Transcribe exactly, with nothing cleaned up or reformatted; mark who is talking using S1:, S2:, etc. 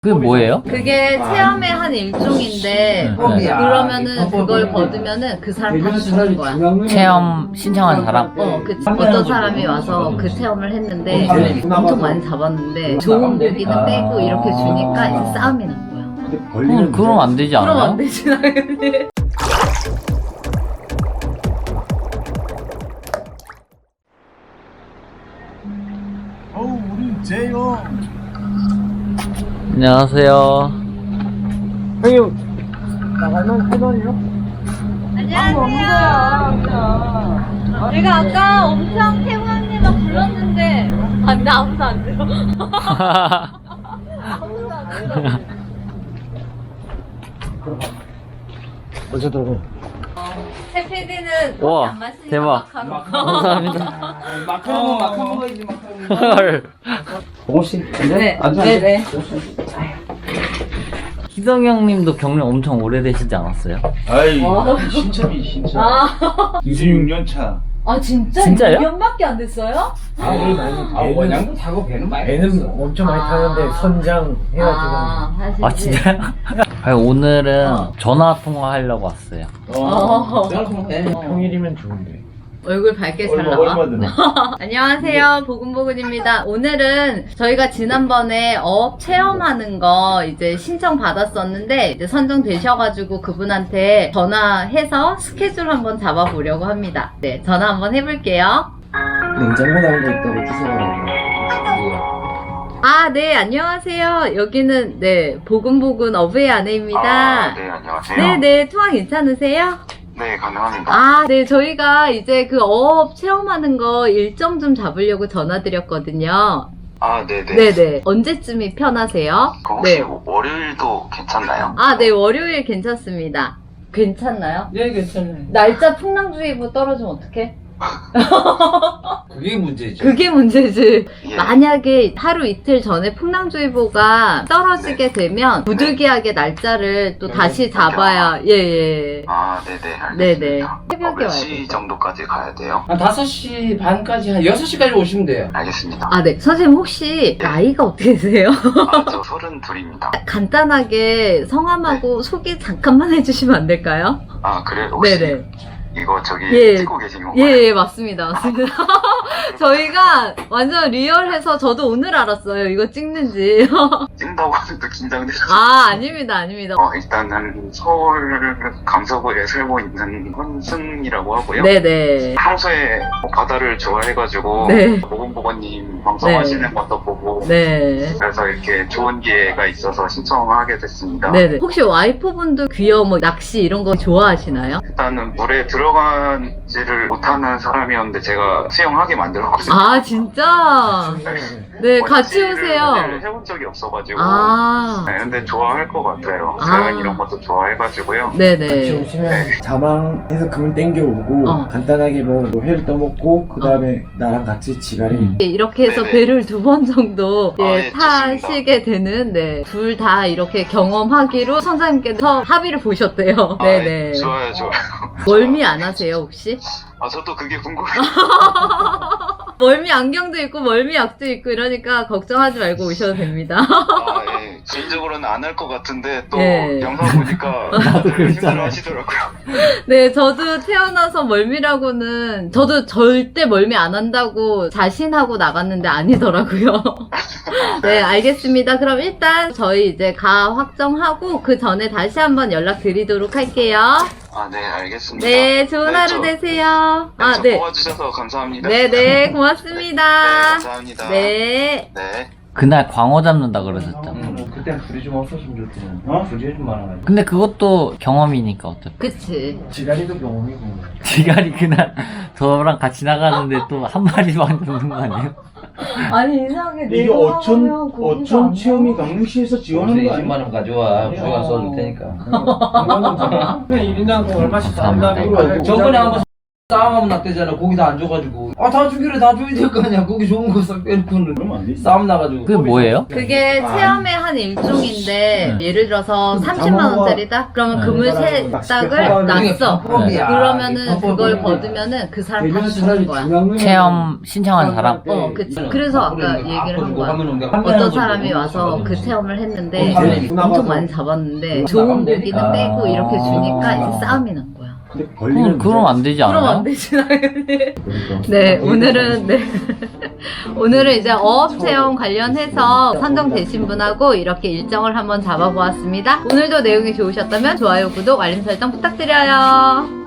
S1: 그게 뭐예요?
S2: 그게 체험의 한 일종인데
S1: 네.
S2: 그러면은 그걸 거두면은 그 사람 다 주는 거야.
S1: 체험 신청한 사람?
S2: 어, 그 어떤 사람이 와서 그 체험을 했는데 엄청 많이 잡았는데 좋은 고기는 빼고 이렇게 주니까 이제 싸움이 난 거야.
S1: 그럼, 그럼 안 되지 않아요?
S2: 그럼 안 되지 당연히.
S3: 어우 우리 제요.
S1: 안녕하세요.
S3: 형님 나가면 회원이요?
S2: 안녕하세요. 제가 아까 엄청 태광님만 불렀는데 안 돼, 아무도 안 들어. 아무도 안 들어.
S3: 어제 들어.
S2: 새 피디는 커피
S1: 와,
S2: 안 마시니까
S1: 대박.
S2: 마카롱.
S1: 감사합니다.
S3: 마카롱은 마카롱 먹어야지 마카롱.
S1: 헐.
S3: 보고 씨.
S2: 네,
S3: 앉아.
S2: 네, 네.
S1: 희성 형님도 경력 엄청 오래되시지 않았어요?
S3: 아이
S2: 와.
S3: 신참이 신참.
S2: 아,
S3: 이십육 년 차.
S2: 아 진짜?
S1: 진짜요?
S2: 이 년밖에 안 됐어요?
S4: 아, 우리 많이
S3: 아 원양도 타고 배는 많이
S4: 배는 엄청 많이
S2: 아.
S4: 타는데 선장 해가지고
S2: 아, 사실
S1: 아, 진짜요? 아니, 오늘은 전화 통화하려고 왔어요.
S2: 어.
S4: 평일이면 좋은데.
S2: 얼굴 밝게 잘
S3: 얼마
S2: 나와.
S3: 얼마 드네.
S2: 안녕하세요, 보금보근입니다. 오늘은 저희가 지난번에 어업 체험하는 거 이제 신청 받았었는데 이제 선정되셔가지고 그분한테 전화해서 스케줄 한번 잡아보려고 합니다. 네, 전화 한번 해볼게요.
S4: 냉장고 나온 거 있다고 주소하라고.
S2: 아, 네, 안녕하세요. 여기는 네 보금보근 어부의 아내입니다.
S5: 아, 네, 안녕하세요.
S2: 네, 네, 통화 괜찮으세요?
S5: 네, 가능합니다.
S2: 아, 네, 저희가 이제 그 어업 체험하는 거 일정 좀 잡으려고 전화드렸거든요.
S5: 아, 네네.
S2: 네네. 언제쯤이 편하세요?
S5: 그 혹시
S2: 네.
S5: 월요일도 괜찮나요?
S2: 아, 네, 월요일 괜찮습니다. 괜찮나요?
S4: 네, 괜찮아요.
S2: 날짜 풍랑주의보 떨어지면 어떡해?
S4: 그게 문제지.
S2: 그게 문제지.
S5: 예.
S2: 만약에 하루 이틀 전에 풍랑주의보가 떨어지게 되면 부득이하게 날짜를 또
S4: 네.
S2: 다시 잡아야, 예, 예.
S5: 아, 네네, 알겠습니다.
S2: 네네.
S5: 어,
S2: 새벽에
S5: 몇
S2: 와야
S5: 시
S2: 돼요.
S5: 정도까지 가야 돼요?
S4: 한 다섯 시 반까지, 한 여섯 시까지 오시면 돼요.
S5: 알겠습니다.
S2: 아, 네. 선생님 혹시 나이가 어떻게 되세요?
S5: 아, 저 서른둘입니다.
S2: 간단하게 성함하고 소개 잠깐만 해주시면 안 될까요?
S5: 아, 그래? 혹시
S2: 네네.
S5: 이거 저기
S2: 예.
S5: 찍고 계신 건가요?
S2: 예, 예, 맞습니다. 맞습니다. 저희가 완전 리얼해서 저도 오늘 알았어요. 이거 찍는지.
S5: 찍는다고 하니까 긴장돼서.
S2: 아, 아닙니다. 아닙니다.
S5: 어, 일단은 서울 강서구에 살고 있는 헌승이라고 하고요.
S2: 네네.
S5: 평소에 뭐 바다를 좋아해가지고
S2: 네.
S5: 보건보건님 방송하시는
S2: 네.
S5: 것도 보고
S2: 네.
S5: 그래서 이렇게 좋은 기회가 있어서 신청하게 됐습니다.
S2: 네네. 혹시 와이프분도 귀여워, 뭐, 낚시 이런 거 좋아하시나요?
S5: 일단은 물에 들어가지를 못하는 사람이었는데 제가 수영하게 만들었거든요.
S2: 아, 진짜? 네, 같이
S5: 원치를
S2: 오세요.
S5: 해본 적이 없어가지고.
S2: 아,
S5: 네, 근데 좋아할 것 같아요.
S2: 아.
S5: 자연 이런 것도 좋아해가지고요.
S4: 같이
S2: 네네.
S4: 오시면 자망해서 그물 땡겨오고
S2: 어.
S4: 간단하게 뭐 회를 떠먹고 그 다음에 나랑 같이 지가리
S1: 음.
S2: 이렇게 해서
S5: 네네.
S2: 배를 두 번 정도
S5: 아,
S2: 예,
S5: 예,
S2: 타시게 되는, 네. 둘 다 이렇게 경험하기로 선생님께서 합의를 보셨대요.
S5: 아,
S2: 네네.
S5: 예, 좋아요, 좋아요.
S2: 멀미 안 하세요, 혹시?
S5: 아, 저도 그게 궁금해요.
S2: 멀미 안경도 있고, 멀미 약도 있고, 이러니까 걱정하지 말고 오셔도 됩니다.
S5: 아, 예. 개인적으로는 안 할 것 같은데 또
S2: 예.
S5: 영상 보니까
S1: 나도 그랬잖아.
S5: 힘들어 하시더라고요.
S2: 네, 저도 태어나서 멀미라고는, 저도 절대 멀미 안 한다고 자신하고 나갔는데 아니더라고요. 네, 알겠습니다. 그럼 일단 저희 이제 가 확정하고 그 전에 다시 한번 연락드리도록 할게요.
S5: 아, 네, 알겠습니다.
S2: 네, 좋은
S5: 네,
S2: 하루
S5: 저-
S2: 되세요.
S5: 네,
S2: 아,
S5: 저
S2: 네.
S5: 도와주셔서 감사합니다.
S2: 네, 네,
S5: 네,
S2: 고맙습니다.
S5: 감사합니다.
S2: 네.
S5: 네.
S1: 그날 광어 잡는다 그러셨잖아.
S4: 그때 불이 좀 없었으면 좋겠네. 어? 불이 좀 많아가지고.
S1: 근데 그것도 경험이니까 어차피.
S2: 그치.
S4: 지가리도 경험이고.
S1: 지갈이 그날 저랑 같이 나가는데 또 한 마리만 잡는 거 아니에요?
S2: 아니, 이상하게
S3: 이게
S2: 내가
S3: 어촌
S2: 하면 거기가
S3: 어촌
S2: 안
S3: 체험이
S2: 나와.
S3: 강릉시에서 지원하는 거
S6: 이십만
S3: 아니야?
S6: 원 가져와.
S4: 네.
S6: 부가 써줄 테니까.
S4: 그냥 일 인당 얼마씩
S1: 감사합니다.
S4: 다는
S6: 저번에 한번 싸움하면 낙대잖아. 고기도 안 줘가지고.
S3: 아, 다 주기로 다 줘야 될 거 아니야. 거기 좋은 거 싹 빼놓고는. 그러면 안 돼. 싸움 나가지고.
S1: 그게 뭐예요?
S2: 그게 체험의 한 일종인데
S1: 네.
S2: 예를 들어서 삼십만 원짜리다? 그러면
S1: 네.
S2: 금을 세 짝을 놨어.
S3: 네.
S2: 그러면은 그걸 거두면은 그 사람 다 주는 거야.
S1: 체험 신청한 사람?
S2: 어, 그치. 그래서 아까 얘기를 한 거야. 어떤 사람이 와서 그 체험을 했는데 엄청 많이 잡았는데 좋은 고기는 빼고 이렇게 주니까 이제 싸움이 난 거야.
S4: 근데
S1: 그럼,
S4: 걸리면
S1: 그럼 안 되지
S2: 그럼
S1: 않아요?
S2: 안 되지 당연히.
S4: 그러니까.
S2: 네, 오늘은 네. 오늘은 이제 어업 체험 관련해서 선정되신 분하고 이렇게 일정을 한번 잡아보았습니다. 오늘도 내용이 좋으셨다면 좋아요, 구독, 알림 설정 부탁드려요.